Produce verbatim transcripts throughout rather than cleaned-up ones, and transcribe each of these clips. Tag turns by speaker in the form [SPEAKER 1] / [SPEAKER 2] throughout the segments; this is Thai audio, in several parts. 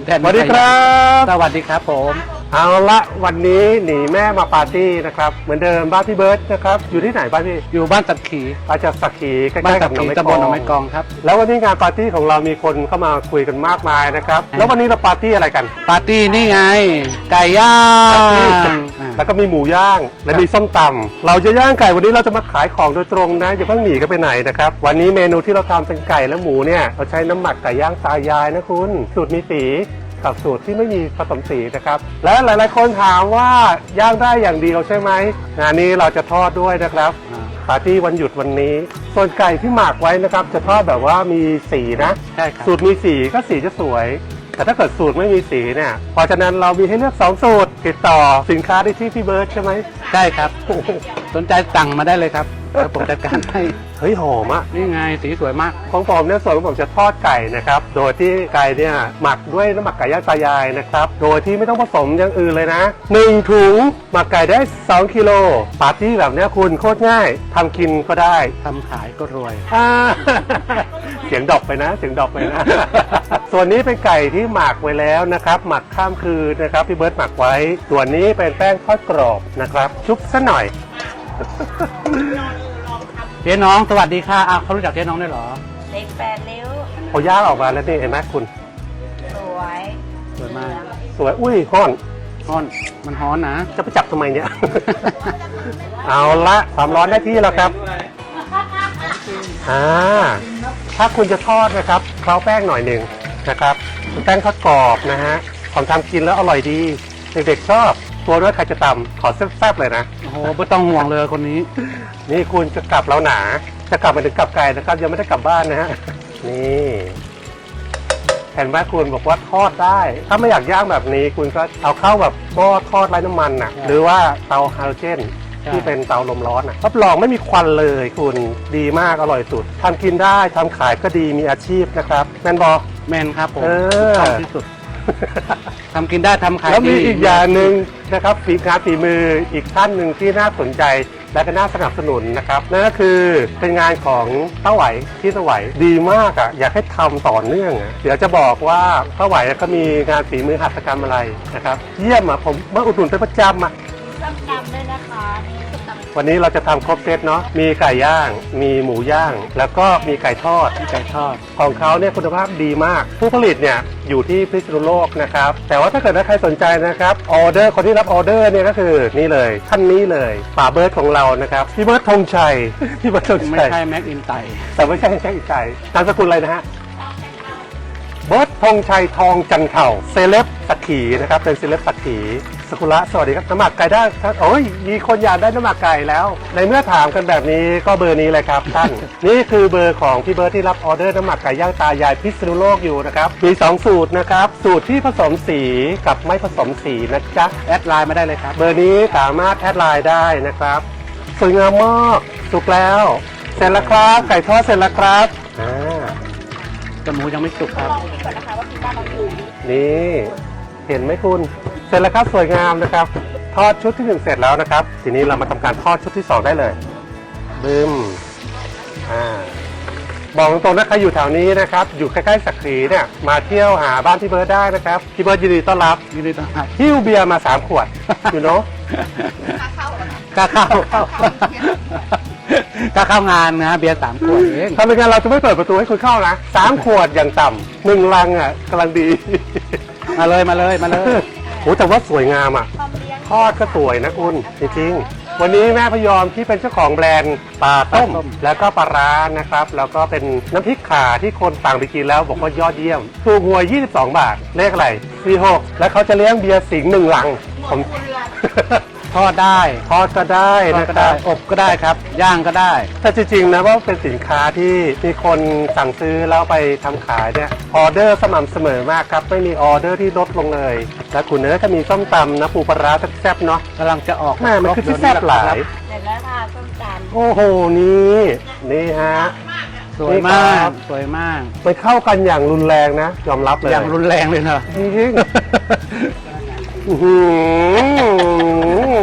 [SPEAKER 1] สวัสดีครับ
[SPEAKER 2] สวัสดีครับผม
[SPEAKER 1] เอาละวันนี้หนีแม่มาปาร์ตี้นะครับเหมือนเดิมบ้านพี่เบิร์ตนะครับอยู่ที่ไหนบ้านพี่
[SPEAKER 2] อยู่บ้านตัดขี
[SPEAKER 1] มาจากสักขีใก
[SPEAKER 2] บ้าน
[SPEAKER 1] ล้ๆ
[SPEAKER 2] ตั
[SPEAKER 1] กั
[SPEAKER 2] ด
[SPEAKER 1] บหนอง
[SPEAKER 2] ขี
[SPEAKER 1] ไม้
[SPEAKER 2] ตำ
[SPEAKER 1] ก
[SPEAKER 2] บ
[SPEAKER 1] อ
[SPEAKER 2] ลหนอง
[SPEAKER 1] ง
[SPEAKER 2] ไม้กองครับ
[SPEAKER 1] แล้ววันนี้งานปาร์ตี้ของเรามีคนเข้ามาคุยกันมากมายนะครับแล้ววันนี้เราปาร์ตี้อะไรกัน
[SPEAKER 2] ปาร์ตี้นี่ไงไก่ย่าง
[SPEAKER 1] แล้วก็มีหมูย่างและมีส้มตำเราจะย่างไก่วันนี้เราจะมาขายของโดยตรงนะอย่าเพิ่งหนีกันไปไหนนะครับวันนี้เมนูที่เราทำเป็นไก่และหมูเนี่ยเราใช้น้ำหมักไก่ย่างตายายนะคุณสูตรมีสีกับสูตรที่ไม่มีผสมสีนะครับและหลายๆคนถามว่าย่างได้อย่างเดียวใช่ไหมงานนี้เราจะทอดด้วยนะครับปาร์ตี้วันหยุดวันนี้ส่วนไก่ที่หมักไว้นะครับจะทอดแบบว่ามีสีนะ
[SPEAKER 2] ใช่ครับ
[SPEAKER 1] สูตรมีสีก็สีจะสวยแต่ถ้าเกิดสูตรไม่มีสีเนี่ยเพราะฉะนั้นเรามีให้เลือกสองสูตรติดต่อสินค้าได้ที่พี่เบิร์ดใช่ไหม
[SPEAKER 2] ใช่ครับ สนใจสั่งมาได้เลยครับเดี๋ยวผมจัดการให้
[SPEAKER 1] เฮ้ยหอมอ่ะ
[SPEAKER 2] นี่ไงสีสวยมาก
[SPEAKER 1] ของผมเนี่ยส่วนของผมจะทอดไก่นะครับโดยที่ไก่เนี่ยหมักด้วยน้ำหมักไก่ย่างตายายนะครับโดยที่ไม่ต้องผสมอย่างอื่นเลยนะหนึ่งถุงหมักไก่ได้สองกิโลปาร์ตี้แบบเนี้ยคุณโคตรง่ายทำกินก็ได้
[SPEAKER 2] ทำขายก็รวย
[SPEAKER 1] อ่า เสียงดรอปไปนะเสียงดรอปไปนะ ส่วนนี้เป็นไก่ที่หมักไว้แล้วนะครับหมักข้ามคืนนะครับพี่เบิร์ตหมักไว้ส่วนนี้เป็นแป้งทอดกรอบนะครับชุบซะหน่อย
[SPEAKER 2] เจ๊น้องสวัสดีค่ะอ้าวเขารู้จักเจ๊น้องได้วยเหรอ
[SPEAKER 3] เล็กแปดริ้ว
[SPEAKER 1] พอย่างออกมาแล้วนี่เห็นไหมคุณ
[SPEAKER 3] สวย
[SPEAKER 2] สวยมาก
[SPEAKER 1] สวยอุ้ยห้อน
[SPEAKER 2] ฮ้อนมันฮ้อนนะ
[SPEAKER 1] จะไปจับทำไมเนี่ย เอาละความร้อนได้ที่แล้วครับอ่าถ้าคุณจะทอดนะครับเคล้าแป้งหน่อยหนึ่งนะครับแป้งทอดกรอบนะฮะของทำกินแล้วอร่อยดีเด็กๆชอบตัวด้วยใครจะตำขอแซ่บๆเลยนะ
[SPEAKER 2] โอ้โหไม่ต้องห่วงเลยคนนี้
[SPEAKER 1] นี่คุณจะกลับแล้วหนาจะกลับมาถึงกลับไกลนะครับยังไม่ได้กลับบ้านนะฮะนี่เห็นไหมคุณบอกว่าทอดได้ ถ้าไม่อยากย่างแบบนี้คุณก็เอาเข้าแบบหม้อทอดไร้น้ำมันน่ะหรือว่าเตาไฮโดรเจนที่เป็นเตาลมร้อนน่ะรับรองไม่มีควันเลยคุณดีมากอร่อยสุดทำกินได้ทำขายก็ดีมีอาชีพนะครับแมนบอ
[SPEAKER 2] แมนครับผม
[SPEAKER 1] เออ
[SPEAKER 2] ชอบที่สุดทำกินได้ทำขาย
[SPEAKER 1] แล้วมี
[SPEAKER 2] ดี
[SPEAKER 1] อีกอย่างหนึ่งนะครับฝีงานฝีมืออีกท่านหนึ่งที่น่าสนใจและก็น่าสนับสนุนนะครับนั่นก็คือเป็นงานของป้าไหวที่ป้าไหวดีมากอ่ะอยากให้ทำต่อเนื่องอ่ะเดี๋ยวจะบอกว่าป้าไหวก็มีงานฝีมือหัตถกรรมอะไรนะครับเยี่ยมอ่ะผมมาอุดหนุนเป็นประจำอ่ะ
[SPEAKER 3] ส้มตำด้วยนะคะนี่ส้มตำ
[SPEAKER 1] วันนี้เราจะทำครบเซตเนาะมีไก่ย่างมีหมูย่าง แล้วก็มีไก่ทอด
[SPEAKER 2] ไก่ทอด
[SPEAKER 1] ของเขาเนี่ยคุณภาพดีมาก ผู้ผลิตเนี่ยอยู่ที่พิษณุโลกนะครับแต่ว่าถ้าเกิดว่าใครสนใจนะครับออเดอร์คนที่รับออเดอร์เนี่ยก็คือนี่เลยท่านนี้เลยป่าเบิร์ดของเรานะครับพี่เบิร์ดธงชัย พี่เบิร์ดธง
[SPEAKER 2] ไม่
[SPEAKER 1] ชัย
[SPEAKER 2] ใช่แม็กอินไต
[SPEAKER 1] แต่ไม่ใช่แค่อีกใจนามสกุลอะไรนะฮะเบิร์ดธงชัยทองจันเข่าเซเลบสักขีนะครับเป็นเซเลบสักขีสกุละสวัสดีครับน้ำหมักไก่ได้โอ้ยมีคนอยากได้น้ำหมักไก่แล้ว ในเมื่อถามกันแบบนี้ก็เบอร์นี้เลยครับท่าน นี่คือเบอร์ของพี่เบิร์ดที่รับออเดอร์น้ำหมักไก่ย่างตายายพิษณุโลกอยู่นะครับมีสองสูตรนะครับสูตรที่ผสมสีกับไม่ผสมสีนะจ๊ะ
[SPEAKER 2] แอดไลน์มาได้เลยครับ
[SPEAKER 1] เบอร์นี้สามารถแอดไลน์ได้นะครับสวยงามมากสุกแล้วเสร็จแล้วครับไก่ทอดเสร็จแล้วครับอ่า
[SPEAKER 2] แต่หมูยังไม่สุกครับ
[SPEAKER 3] ลองดูก่อนนะคะว่ากินได้ไหม
[SPEAKER 1] นี่เห็นไหมคุณเสร็จแล้วครับสวยงามนะครับทอดชุดที่หนึ่งเสร็จแล้วนะครับทีนี้เรามาทำการทอดชุดที่สองได้เลยบึ้มอ่าบอกตรงๆนะใครอยู่แถวนี้นะครับอยู่ใกล้ๆสักขีเนี่ยมาเที่ยวหาบ้านพี่เบิร์ดได้นะครับพี่เบิร์ดยินดีต้อนรับ
[SPEAKER 2] ยินดีต้อนรับ
[SPEAKER 1] หิ้วเบียร์มาสามขวด อยู่เนาะ
[SPEAKER 2] กล้าเข้า กล้าเข้างานนะเบียร์สามขวดเอง
[SPEAKER 1] ทำเป็นงานเราจะไม่เปิดประตูให้คุณเข้านะสามขวดอย่างต่ำหนึ่งลังอ่ะกำลังดี
[SPEAKER 2] มาเลยมาเลยมาเลย
[SPEAKER 1] โอ้แต่ว่าสวยงามอ่ะ
[SPEAKER 3] ความเลี้ยง
[SPEAKER 1] ทอดก็สวยนะคุณจริงๆวันนี้แม่พยอมที่เป็นเจ้าของแบรนด์ปลาต้ม แล้วก็ปลาร้านะครับแล้วก็เป็นน้ำพริกข่าที่คนต่างไปกินแล้วบอกว่ายอดเยี่ยมถูกหวยยี่สิบสองบาทเลขอะไรสี่หกแล้วเขาจะเลี้ยงเบียร์สิงห์หนึ่งลังผม
[SPEAKER 2] ทอดได้
[SPEAKER 1] ทอดก็ได้
[SPEAKER 2] ทอด
[SPEAKER 1] นะ
[SPEAKER 2] ก็
[SPEAKER 1] ค
[SPEAKER 2] ได้
[SPEAKER 1] รับ
[SPEAKER 2] อบก็ได้ครับ ย่างก็ได้
[SPEAKER 1] แต่จริงๆนะว่าเป็นสินค้าที่มีคนสั่งซื้อแล้วไปทำขายเนี่ยออเดอร์สม่ำเสมอมากครับไม่มีออเดอร์ที่ลดลงเลยและคุณเนื้อก็มีส้มตำนะปูปลาร้าแซ่บๆเนาะ
[SPEAKER 2] กำลังจะออก
[SPEAKER 1] แม่มันคือที่แซ่บหลาย
[SPEAKER 3] เสร็จแล้วค่ะส้มตำ
[SPEAKER 1] โอ้โหนี่นี่ฮะ
[SPEAKER 2] สวยมากสวยมาก
[SPEAKER 1] มันเข้ากันอย่างรุนแรงนะยอมรับเลย
[SPEAKER 2] อย่างรุนแรงเลยเนอะ
[SPEAKER 1] จริงๆอื้อหือ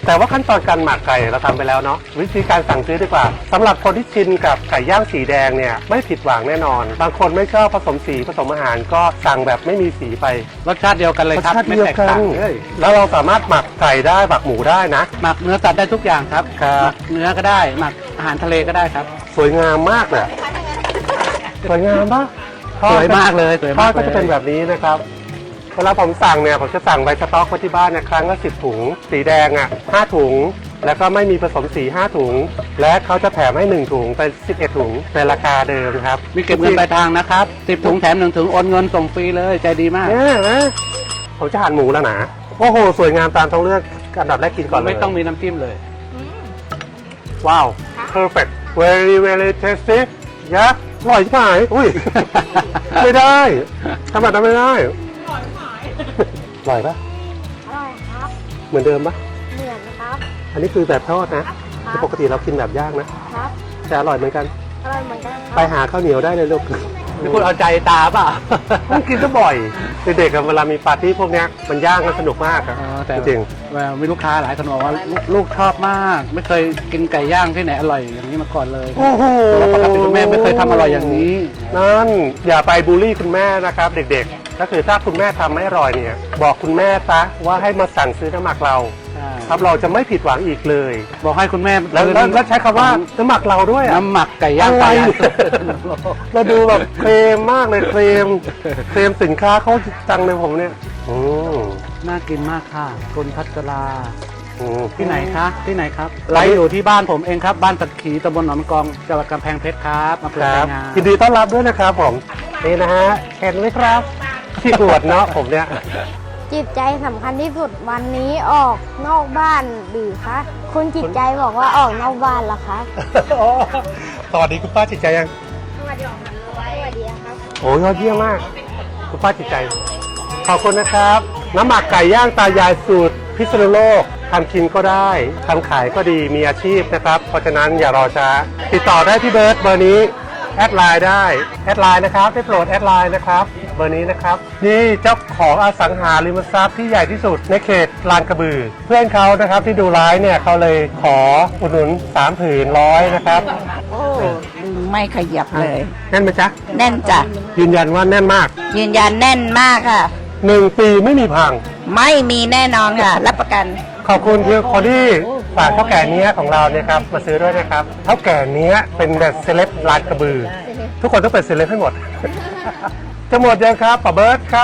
[SPEAKER 1] แต่ว่าขั้นตอนการหมักไก่เราทำไปแล้วเนาะวิธีการสั่งซื้อดีกว่าสำหรับคนที่ชินกับไก่ย่างสีแดงเนี่ยไม่ผิดหวังแน่นอน บางคนไม่ชอบผสมสีผสมอาหารก็สั่งแบบไม่มีสีไป
[SPEAKER 2] รสชาติเดียวกันเลย
[SPEAKER 1] รส
[SPEAKER 2] ครับ
[SPEAKER 1] ชาติ
[SPEAKER 2] ไม่
[SPEAKER 1] เดียว
[SPEAKER 2] แตก
[SPEAKER 1] กั
[SPEAKER 2] ต่าน งเลย
[SPEAKER 1] แล้วเราสามารถหมักไก่ได้หมักหมูได้นะ
[SPEAKER 2] หมักเนื้อสัตว์ได้ทุกอย่างครับ
[SPEAKER 1] ครับ
[SPEAKER 2] หมักเนื้อก็ได้หมักอาหารทะเลก็ได้ครับ
[SPEAKER 1] สวยงามมากเลยสวยงามปะ
[SPEAKER 2] สวยมากเลยสวย
[SPEAKER 1] ทอ
[SPEAKER 2] มา
[SPEAKER 1] ด
[SPEAKER 2] ก
[SPEAKER 1] ก็
[SPEAKER 2] เลย
[SPEAKER 1] จะเป็นแบบนี้นะครับเวลาผมสั่งเนี่ยผมจะสั่งใบสต๊อกไว้ที่บ้านเนี่ยครั้งละสิบถุง สีแดงอ่ะห้าถุง แล้วก็ไม่มีผสมสีห้าถุง และเขาจะแถมให้หนึ่งถุงเป็นสิบเอ็ดถุงในราคาเดิมครับ
[SPEAKER 2] มีเก็บเงินปลายทางนะครับสิบถุงแถมหนึ่งถุงโอนเงินส่งฟรีเลยใจดีมาก
[SPEAKER 1] เนี่ยนะผมจะหั่นหมูแล้วนะโอ้โหสวยงามตามท้องเรื่องอันดับแรกกินก่อนเลย
[SPEAKER 2] ไม่ต้องมีน้ำจิ้มเลย
[SPEAKER 1] ว้าว perfect very very tasty ยักษ์อร่อยใช่ไหมอุ้ย ไม่ได้ทำแบบนั้นไม่ได้อร่อยปะ
[SPEAKER 3] อร่อยครับ
[SPEAKER 1] เหมือนเดิมปะ
[SPEAKER 3] เหมือนครับ
[SPEAKER 1] อันนี้คือแบบทอดนะ
[SPEAKER 3] ครั
[SPEAKER 1] คือ
[SPEAKER 3] บ
[SPEAKER 1] ปกติเรากินแบบย่างนะครับ แต่อร่อยเหมือนกัน
[SPEAKER 3] อร่อยเหมือนกันค
[SPEAKER 1] ไป
[SPEAKER 3] รับ
[SPEAKER 1] หาข้าวเหนียวได้เลยลูก
[SPEAKER 2] นี่คุณเอาใจตาเปล่ะ
[SPEAKER 1] ต้องกินซะบ่อยเด็กๆอะเวลามีปาร์ตี้พวกเนี้ยมันย่างกันสนุกมากอะ
[SPEAKER 2] แต่
[SPEAKER 1] จริง
[SPEAKER 2] มีลูกค้าหลายคนบอกว่าลูกลูกชอบมาก ไม่เคยกินไก่ย่างที่ไหนอร่อยอย่างนี้มาก่อนเลย
[SPEAKER 1] โอ้โห
[SPEAKER 2] แล้วปกติคุณแม่ไม่เคยทำอร่อยอย่างนี้
[SPEAKER 1] นั่นอย่าไปบูลลี่คุณแม่นะครับเด็กๆก็คือถ้าคุณแม่ทำไม่อร่อยเนี่ยบอกคุณแม่ซะว่าให้มาสั่งซื้อน้ำหมักเรา
[SPEAKER 2] ใช่
[SPEAKER 1] ครับเราจะไม่ผิดหวังอีกเลย
[SPEAKER 2] บอกให้คุณแม่
[SPEAKER 1] แล้วแล้วแล้วใช้คำว่าน้ำหมักเราด้วยอะ
[SPEAKER 2] น้ำหมักไก่ย่าง
[SPEAKER 1] อะไร
[SPEAKER 2] ไก่ย่าง
[SPEAKER 1] เราดูแบบเคลมมากเลยเคลมเคลมสินค้าเขาจังเลยผมเนี่ยอืม
[SPEAKER 2] น่ากินมากค่ะคุณพัชรา
[SPEAKER 1] อืม
[SPEAKER 2] ที่ไหนคะที่ไหนครับ
[SPEAKER 1] ไล
[SPEAKER 2] ไล
[SPEAKER 1] ฟ์
[SPEAKER 2] ฟ์อยู่ที่บ้านผมเองครับ บ้านสักขีตำบลหนองมะกองจังหวัดกำแพงเพชรครับอำเภอ
[SPEAKER 1] ค
[SPEAKER 2] ไช
[SPEAKER 1] รับ
[SPEAKER 2] ยงาม
[SPEAKER 1] ยินดีต้อนรับด้วยนะครับผมนี่นะฮะเห็นไหมครับที่อวดเนาะผมเนี่ย
[SPEAKER 4] จิตใจสำคัญที่สุดวันนี้ออกนอกบ้านหรือคะคุณจิตใจบอกว่าออกนอกบ้านเหรอคะ
[SPEAKER 1] อ๋อสวัสดีคุณป้าจิตใจยัง
[SPEAKER 3] สวัสดีครับสวัสดีครับ
[SPEAKER 1] โอ้ยอดเยี่ยมมาก คุณป้าจิตใจ ขอบคุณนะครับ น้ำหมักไก่ย่างตายายสูตรพิษณุโลกทำกินก็ได้ทำขายก็ดีมีอาชีพนะครับ เพราะฉะนั้นอย่ารอช้า ติดต่อได้ที่เบิร์ดเบอร์นี้ แอดไลน์ได้แอดไลน์นะครับได้โปรดแอดไลน์นะครับเบอร์นี้นะครับนี่เจ้าของอสังหาริมทรัพย์ที่ใหญ่ที่สุดในเขตลานกระบือ เพื่อนเขานะครับที่ดูไลฟ์เนี่ยเขาเลยขออุดหนุนสามผืนร้อยนะครับ
[SPEAKER 3] โอ้ไม่ขยับเลย
[SPEAKER 1] แน่นไหมจ๊ะ
[SPEAKER 3] แน่นจ้ะ
[SPEAKER 1] ยืนยันว่าแน่นมาก
[SPEAKER 3] ยืนยันแน่นมากค่ะ
[SPEAKER 1] หนึ่งปีไม่มีพัง
[SPEAKER 3] ไม่มีแน่นอนค่ะ รับประกัน
[SPEAKER 1] ขอบคุณที่คนที่ฝากเท่าแก่เนี้ยของเราเนี่ยครับมาซื้อด้วยนะครับเท่าแก่เนี้ยเป็นแบบเซเลบลานกระบือ ทุกคนต้องเป็นเซเลบให้หมด จะหมดยังครับป้าเบิร์ตครับ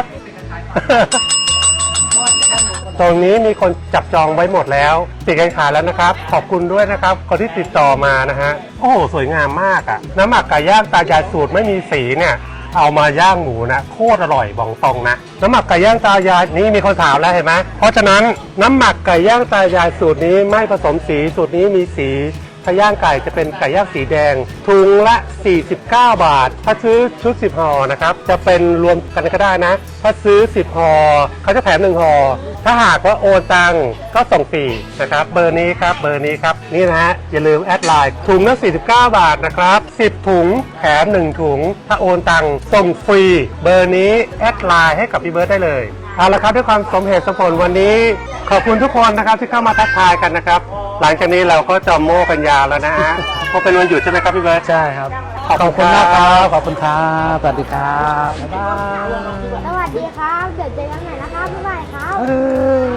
[SPEAKER 1] ตรงนี้มีคนจับจองไว้หมดแล้วปิดการขายแล้วนะครับ ขอบคุณด้วยนะครับคนที่ติดต่อมานะฮะโอ้โหสวยงามมากอะน้ำหมักไก่ย่างตายายสูตรไม่มีสีเนี่ยเอามาย่างหมูนะโคตรอร่อยบอกตรงนะน้ำหมักไก่ย่างตายายนี่มีคนถามแล้วเห็นไหมเพราะฉะนั้นน้ำหมักไก่ย่างตายายสูตรนี้ไม่ผสมสีสูตรนี้มีสีถ้าย่างไก่จะเป็นไก่ย่างสีแดงถุงละสี่สิบเก้าบาทถ้าซื้อชุดสิบห่อนะครับจะเป็นรวมกันก็ได้นะถ้าซื้อสิบห่อเขาจะแถมหนึ่งห่อถ้าหากว่าโอนตังก็ส่งฟรีนะครับเบอร์นี้ครับเบอร์นี้ครับนี่นะฮะอย่าลืมแอดไลน์ถุงละสี่สิบเก้าบาทนะครับสิบถุงแถมหนึ่งถุงถ้าโอนตังส่งฟรีเบอร์นี้แอดไลน์ให้กับพี่เบิร์ดได้เลยเอาละครับด้วยความสมเหตุสมผลวันนี้ขอบคุณทุกคนนะครับที่เข้ามาทักทายกันนะครับหลังจากนี้เราก็จะโม้กันยาวแล้วนะฮะเพราะเป็นวันหยุดใช่ไหมครับพี่เบิร์ด
[SPEAKER 2] ใช่ครับ
[SPEAKER 1] ขอบคุณ
[SPEAKER 2] ขอบคุณมากค
[SPEAKER 1] ครั
[SPEAKER 2] รับ บขอบคุณครับสวัสดีครับบ๊ายบาย
[SPEAKER 4] สวัสดีครับ เดี๋ยวเจอกันใหม่นะครับบ๊ายบายครับ
[SPEAKER 1] เออ